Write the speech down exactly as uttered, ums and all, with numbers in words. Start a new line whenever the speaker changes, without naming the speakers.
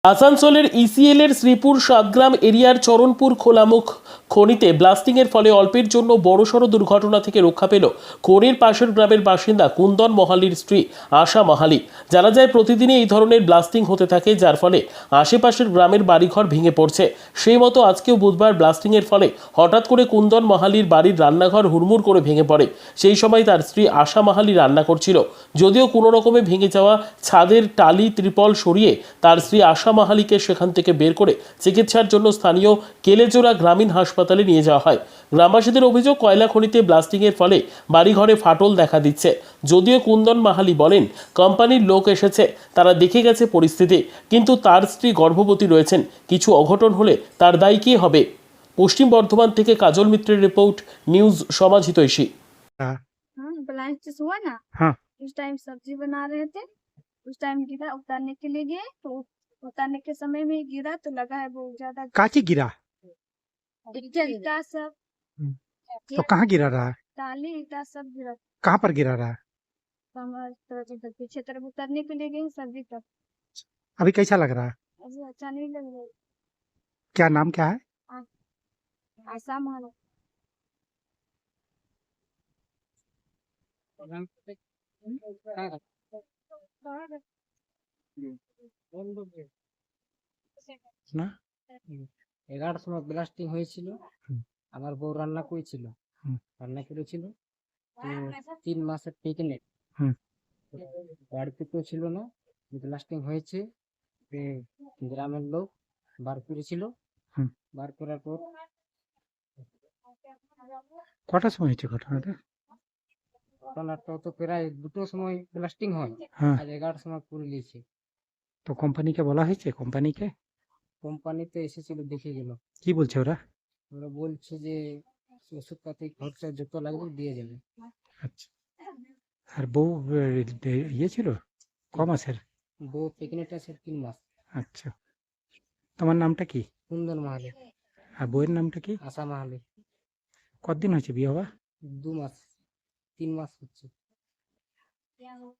আসানসোলের ইসিএল এর শ্রীপুর সাতগ্রাম এরিয়ার চরণপুর খোলামুখ খনিতে ব্লাস্টিং এর ফলে অল্পের জন্য বড়সড় দুর্ঘটনা থেকে রক্ষা পেল খনির পাশের গ্রামের বাসিন্দা কুন্দন মহালির স্ত্রী আশা মাহালি। জানা যায় প্রতিদিনই এই ধরনের ব্লাস্টিং হতে থাকে, যার ফলে আশেপাশের গ্রামের বাড়িঘর ভেঙে পড়ছে। সেই মতো আজকেও বুধবার ব্লাস্টিং এর ফলে হঠাৎ করে কুন্দন মাহালির বাড়ির রান্নাঘর হুড়মুড় করে ভেঙে পড়ে। সেই সময় তার স্ত্রী আশা মাহালি রান্না করছিল। যদিও কোনো রকমে ভেঙে যাওয়া ছাদের টালি ত্রিপল সরিয়ে তার স্ত্রী আশা মাহালিকে সেখান থেকে বের করে চিকিৎসার জন্য স্থানীয় কেলেজোড়া গ্রামীণ হাসপাতালে নিয়ে যাওয়া হয়। গ্রামবাসীদের অভিযোগ, কয়লা খনিতে ব্লাস্টিংয়ের ফলে বাড়িঘরে ফাটল দেখা দিচ্ছে। যদিও কুন্দন মাহালি বলেন, কোম্পানির লোক এসেছে, তারা দেখে গেছে পরিস্থিতি, কিন্তু তার স্ত্রী গর্ভবতী রয়েছেন। কিছু অঘটন হলে তার দায়ী কে হবে? পশ্চিম বর্ধমান থেকে কাজল মিত্রের রিপোর্ট, নিউজ সমাজ হিতৈষী।
हाँ,
ब्लास्ट हुआ ना,
हाँ,
उस टाइम सब्जी बना रहे थे। उस टाइम गिरा, उतारने के लिए गए तो उतारने के समय में गिरा तो लगा है बहुत ज्यादा
काची गिरा?
ईटा ईटा सब
हम्म, तो कहाँ गिरा रहा है?
टाली ईटा सब गिरा।
कहाँ पर गिरा रहा है?
तो हमारे तरफ इधर पीछे तरफ उतारने के लिए गए सब्जी तब
अभी कैसा लग रहा है?
अभी अच्छा नहीं लग रहा है।
क्या नाम क्या है?
आशा मानो
না
এগারোটার সময় ব্লাস্টিং হয়েছিল।
হুম।
আমার বউ রান্না করেছিল,
হুম।
রান্না করেছিল তো তিন মাসের প্রেগনেন্ট।
হুম।
বাড়িতে কেউ ছিল না, ব্লাস্টিং হয়েছে, তো গ্রামের লোক বার করেছিল।
হুম।
বার করার পর
কটার সময় হয়েছে ঘটনাটা?
ঘটনাটা তো প্রায় দুটোর সময় ব্লাস্টিং হয়,
হ্যাঁ,
আজ এগারোটার সময় করে নিয়েছে।
তো কোম্পানিকে বলা হয়েছে? কোম্পানিকে
কোম্পানিতে এসেছিল, দেখে গেল।
কি বলছে ওরা?
ওরা বলছে যে ওষুধপাতি খরচা যত লাগবে দিয়ে যাবে।
আচ্ছা, আর বউ এ, এ, ইয়ে ছিল ক মাসের?
বউ প্রেগনেন্ট আছে তিন মাস।
আচ্ছা, তোমার নামটা কি
কুন্দন মাহালি,
আর বউয়ের নামটা কি?
আশা মাহালি।
কতদিন হয়েছে বিয়ে হওয়া?
দু মাস তিন মাস হচ্ছে।